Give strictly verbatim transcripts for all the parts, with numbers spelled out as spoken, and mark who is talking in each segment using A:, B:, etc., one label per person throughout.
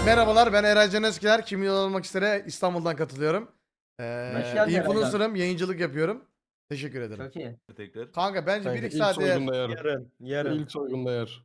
A: Merhabalar, ben Eray Can Eskiler. Kim Milyon Olmak Istere İstanbul'dan katılıyorum.
B: Hoş
A: Ee,
B: geldin
A: influencer'ım, yayıncılık yapıyorum. Teşekkür ederim.
B: Çok iyi.
C: Tekrar.
A: Kanka bence bir
D: Kanka
A: iki
D: ilk
A: saat eğer...
D: soygunda yer.
E: Yarın, yarın.
D: İlk soygunda yer.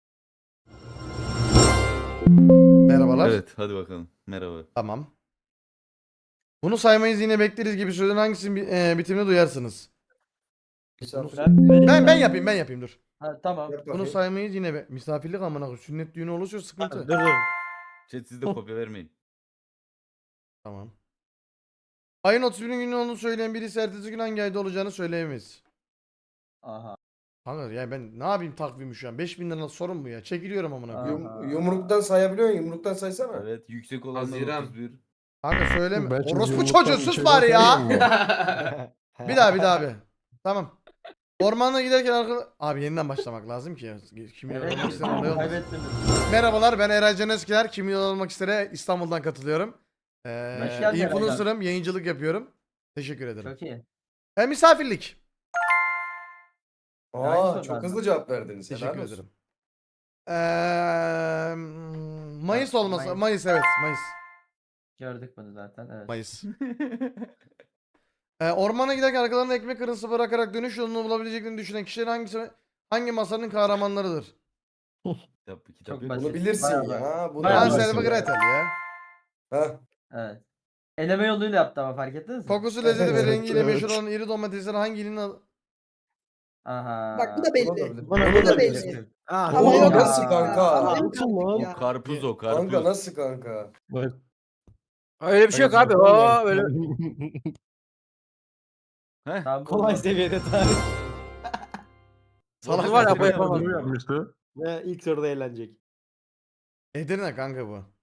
A: Merhabalar.
C: Evet hadi bakalım. Merhaba.
A: Tamam. Bunu saymayız yine bekleriz gibi sözün hangisinin bi- e, bitimini duyarsınız? Ben ben yapayım ben yapayım dur.
B: Ha, tamam.
A: Bunu saymayız yine be. Misafirlik amına koyayım. Sünnet düğünü olursa
E: Dur
A: sıkıntı.
E: dur.
C: Chat siz de kopya vermeyin.
A: Tamam. Ayın otuz birinci günü olduğunu söyleyen birisi ertesi gün hangi ayda olacağını söyleyemeyiz.
B: Aha.
A: Kanka ya ben ne yapayım takvimi şu an? beş bin lira sorun bu ya. Çekiliyorum amına koyayım.
B: Aha.
E: Yum, yumruktan sayabiliyor musun? Yumruktan saysana.
C: Evet yüksek olanlar
F: Haziran.
C: otuz bir.
A: Kanka söyleme.
D: Ben şimdi
A: Orospu
D: yumruktan
A: çocuğu sus
D: şey
A: bari ya.
D: yapamıyorum.
A: Bir daha bir daha abi. Tamam. Ormanda giderken arka... Abi yeniden başlamak lazım ki. Kim milyon
B: Evet.
A: olmak isteyen olay olmaz.
B: Kaybettiniz.
A: Merhabalar, ben Eray Can Eskiler. Kim Milyon Olmak Istere İstanbul'dan katılıyorum. Ee,
B: Hoş geldin Eray
A: influencer'ım, yayıncılık yapıyorum. Teşekkür ederim.
B: Çok iyi.
A: E, misafirlik.
B: Aynı
E: Aa
B: soru
E: çok
B: bende.
E: hızlı cevap verdiniz.
A: Teşekkür
E: Helal olsun.
A: ederim. Ee, Mayıs
B: Ha,
A: olması.
B: Mayıs.
A: Mayıs evet. Mayıs.
B: Gördük bunu zaten. Evet.
A: Mayıs. Ee, ormana giderken arkalarında ekmek kırıntısı bırakarak dönüş yolunu bulabileceklerini düşünen kişiler hangisi hangi masanın kahramanlarıdır?
C: Kitap, kitap
B: Çok
C: yok.
B: basit.
E: Bunu bilirsin
B: Bayağı
E: ya. Bunu
B: Bayağı
A: Hansel
E: bilirsin
A: ve
E: ya.
A: Gretel ya.
E: Ha.
B: Evet. Eleme yoluyla yaptı ama fark ettiniz mi?
A: Kokusu, lezzeti ve
E: Evet,
A: rengiyle
D: evet.
A: meşhur olan iri domatesler hangi ilin adı?
B: Aha.
G: Bak bu da
E: Bunu da
G: belli.
E: bilir.
G: Bu
E: Bunu
G: da belli.
E: bilirsin.
G: Ama
E: Oğlum
G: yok
E: nasıl
G: ya.
E: kanka?
G: Ama yok
D: Nasıl
G: artık
D: lan?
G: ya.
C: Karpuz o karpuz.
E: Kanka nasıl kanka?
D: Bak.
F: Öyle bir şey yok abi. Oo, öyle
C: Heh.
B: Tamam,
F: kolay
B: buldum.
F: seviyede tarih.
A: Salak
F: var ya,
A: Edirne.
F: bu yapamaz.
D: Bunu yapmıştı.
E: Ve ilk soruda eğlenecek.
A: Edirne kanka bu.